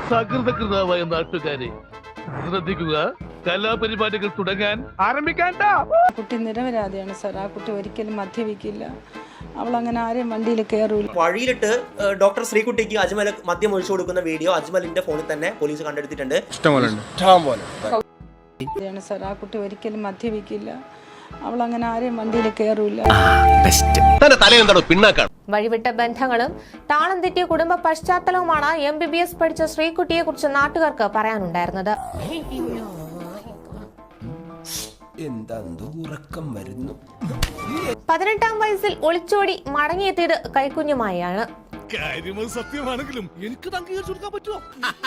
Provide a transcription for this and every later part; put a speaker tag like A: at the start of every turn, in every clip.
A: സകൃതകൃതാവായ നാട്ടുകാരെ ശ്രദ്ധിക്കുക, കലാപരിപാടികൾ തുടങ്ങാൻ ആരംഭിക്കാൻ.
B: കുട്ടി നിരപരാധിയാണ് സാർ. ആ കുട്ടി ഒരിക്കലും മദ്യപിക്കില്ല. അവൾ അങ്ങനെ ആരെയും വണ്ടിയിൽ കയറൂല.
C: വഴിയിലിട്ട് ഡോക്ടർ ശ്രീകുട്ടിക്ക് അജ്മൽ മദ്യം ഒഴിച്ചു കൊടുക്കുന്ന വീഡിയോ അജ്മലിന്റെ ഫോണിൽ തന്നെ പോലീസ് കണ്ടെടുത്തിട്ടുണ്ട്.
B: സാർ ആ കുട്ടി ഒരിക്കലും മദ്യപിക്കില്ല. അവൾ അങ്ങനെ ആരെയും വണ്ടിയിൽ കയറൂല.
D: വഴിവിട്ട ബന്ധങ്ങളും താളം തെറ്റിയ കുടുംബ പശ്ചാത്തലവുമാണ് MBBS പഠിച്ച ശ്രീകുട്ടിയെ കുറിച്ച് നാട്ടുകാർക്ക് പറയാനുണ്ടായിരുന്നത്. 18ാം വയസ്സിൽ ഒളിച്ചോടി മടങ്ങിയെത്തിയത് കൈക്കുഞ്ഞുമായാണ്.
A: സത്യമാണെങ്കിലും എനിക്ക് പറ്റുമോ?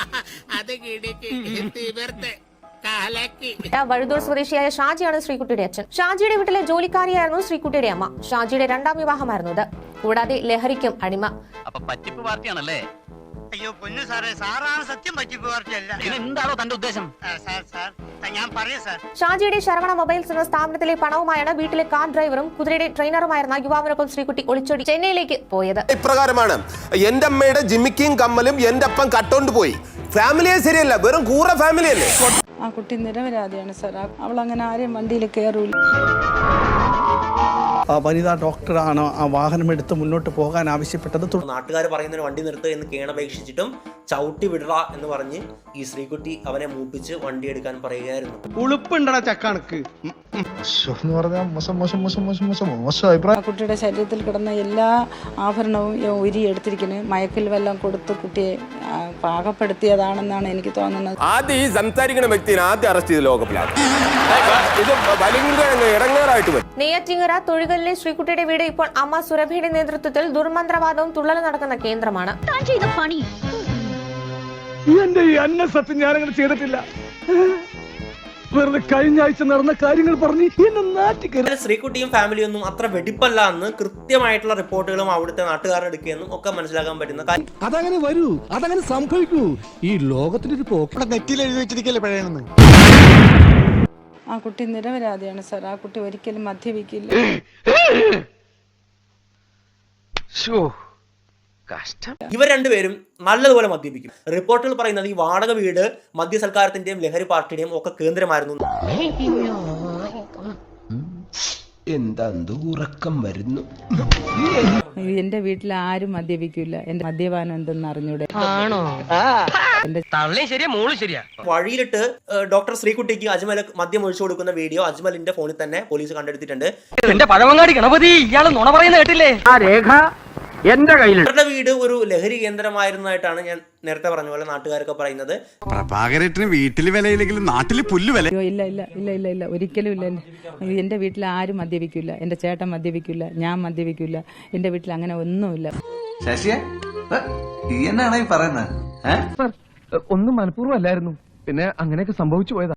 D: വഴുതൂർ സ്വദേശിയായ ഷാജിയാണ് ശ്രീകുട്ടിയുടെ അച്ഛൻ. ഷാജിയുടെ വീട്ടിലെ ജോലിക്കാരിയായിരുന്നു ശ്രീകുട്ടിയുടെ അമ്മ. ഷാജിയുടെ 2ാം വിവാഹമായിരുന്നു ഇത്. കൂടാതെ ലഹരിക്കും അടിമ.
E: പറ്റിപ്പ് പാർട്ടിയാണല്ലേ?
F: അയ്യോ പൊന്നു സാറേ, സാറാണ് സത്യം. പറ്റിപ്പ് പാർട്ടിയല്ല.
E: എന്താണോ തന്റെ ഉദ്ദേശം?
F: ഞാൻ പറയാം സാർ.
D: ഷാജിയുടെ ശരവണ മൊബൈൽസ് എന്ന സ്ഥാപനത്തിലെ പണവുമായാണ് വീട്ടിലെ കാർ ഡ്രൈവറും കുതിരയുടെ ട്രെയിനറുമായിരുന്ന യുവാവിനൊപ്പം ശ്രീകുട്ടി ഒളിച്ചോടി ചെന്നൈയിലേക്ക് പോയത്.
G: ഇപ്രകാരമാണ് എന്റെ അമ്മയുടെ ജിമിക്കും കമ്മലും എന്റെ അപ്പം കട്ടോണ്ട് പോയി. ഫാമിലിയെ ശരിയല്ല, വെറും കൂറ ഫാമിലി അല്ലേ.
B: ആ കുട്ടി നിരപരാധിയാണ് സാർ. അവൾ അങ്ങനെ ആരെയും വണ്ടിയിൽ കയറൂല.
H: വനിതാ ഡോക്ടറാണ് ആ വാഹനമെടുത്ത് മുന്നോട്ട് പോകാൻ ആവശ്യപ്പെട്ടത്.
C: നാട്ടുകാർ പറയുന്നതിന് വണ്ടി നിർത്തുക എന്ന് കേണപേക്ഷിച്ചിട്ടും ചവിട്ടി വിടറ എന്ന് പറഞ്ഞ് ഈ ശ്രീകുട്ടി അവനെ മൂപ്പിച്ച് വണ്ടി എടുക്കാൻ പറയുകയായിരുന്നു.
H: ഉളുപ്പുണ്ടടാ ചക്കാണക്ക്.
B: ആ കുട്ടിയുടെ ശരീരത്തിൽ കിടന്ന എല്ലാ ആഭരണവും ഉരി എടുത്തിരിക്കുന്നത് മയക്കിൽ വെള്ളം കൊടുത്ത് കുട്ടിയെ പാകപ്പെടുത്തിയതാണെന്നാണ് എനിക്ക് തോന്നുന്നത്.
G: ആദ്യം ഈ സംസാരിക്കുന്ന വ്യക്തിയെ ആദ്യം അറസ്റ്റ് ചെയ്ത് ലോകപ്പിലാണ്. ഇത് ഇടങ്ങേറായിട്ട് വരും.
D: നെയ്യാറ്റിങ്ങര തൊഴുകലിലെ ശ്രീകുട്ടിയുടെ വീട് ഇപ്പോൾ അമ്മ സുരഭിയുടെ നേതൃത്വത്തിൽ ദുർമന്ത്രവാദവും തുള്ളലും നടക്കുന്ന കേന്ദ്രമാണ്.
A: എന്റെ ഈ അന്ന സത്യം ഞാനങ്ങനെ ചെയ്തിട്ടില്ല. വെറുതെ കഴിഞ്ഞ ആഴ്ച നടന്ന കാര്യങ്ങൾ പറഞ്ഞ് എന്നെ നാട്ടിക്കരുത്.
C: ശ്രീകുട്ടിയും ഫാമിലിയൊന്നും അത്ര വെടിപ്പല്ല എന്ന് കൃത്യമായിട്ടുള്ള റിപ്പോർട്ടുകളും അവിടുത്തെ നാട്ടുകാരുടെ എടുക്കുകയെന്നും ഒക്കെ മനസ്സിലാക്കാൻ പറ്റുന്ന കാര്യം.
A: അതങ്ങനെ വരൂ, അതങ്ങനെ സംഭവിക്കൂ. ഈ ലോകത്തിന്റെ ഒരു പോക്ക് നെറ്റിൽ എഴുതി വെച്ചിരിക്കല്ലേ പഴയണെന്ന്.
B: ആ കുട്ടി നിരപരാധിയാണ് സാർ. ആ കുട്ടി ഒരിക്കലും മദ്യപിക്കില്ല.
C: ഇവർ രണ്ടുപേരും നല്ലതുപോലെ മദ്യപിക്കും. റിപ്പോർട്ടുകൾ പറയുന്നത് ഈ വാടക വീട് മദ്യസൽക്കാരത്തിന്റെയും ലഹരി പാർട്ടിയുടെയും ഒക്കെ കേന്ദ്രമായിരുന്നു.
G: ഉറക്കം വരുന്നു.
B: എന്റെ വീട്ടിൽ ആരും മദ്യപിക്കില്ല. എന്റെ മദ്യപാനം എന്തെന്ന് അറിഞ്ഞൂടെ.
C: വഴിയിലിട്ട് ഡോക്ടർ ശ്രീകുട്ടിക്ക് അജ്മൽ മദ്യം ഒഴിച്ചു കൊടുക്കുന്ന വീഡിയോ അജ്മലിന്റെ ഫോണിൽ തന്നെ പോലീസ് കണ്ടെടുത്തിട്ടുണ്ട്.
E: എന്റെ പഴവങ്ങാടി ഗണപതി, ഇയാള് നുണ പറയുന്ന കേട്ടില്ലേ? ആ രേഖ എന്റെ കയ്യിൽ.
C: അവരുടെ വീട് ഒരു ലഹരി കേന്ദ്രമായിരുന്നതായിട്ടാണ് ഞാൻ നേരത്തെ പറഞ്ഞ പോലെ നാട്ടുകാരൊക്കെ പറയുന്നത്.
I: പ്രഭാകരേട്ടന് വീട്ടില് വിലയില്ലെങ്കിലും നാട്ടില് പുല്ല് വില.
B: ഇല്ല ഇല്ല ഇല്ല ഇല്ല ഇല്ല ഒരിക്കലും ഇല്ല. എന്റെ വീട്ടിൽ ആരും മദ്യപിക്കില്ല. എന്റെ ചേട്ടൻ മദ്യപിക്കില്ല. ഞാൻ മദ്യപിക്കില്ല. എന്റെ വീട്ടിൽ അങ്ങനെ ഒന്നുമില്ല.
J: ശശിയെ എന്നാണ് ഈ പറയുന്നത്?
A: ഒന്നും മനഃപൂർവ്വം അല്ലായിരുന്നു, പിന്നെ അങ്ങനെയൊക്കെ സംഭവിച്ചു പോയതാ.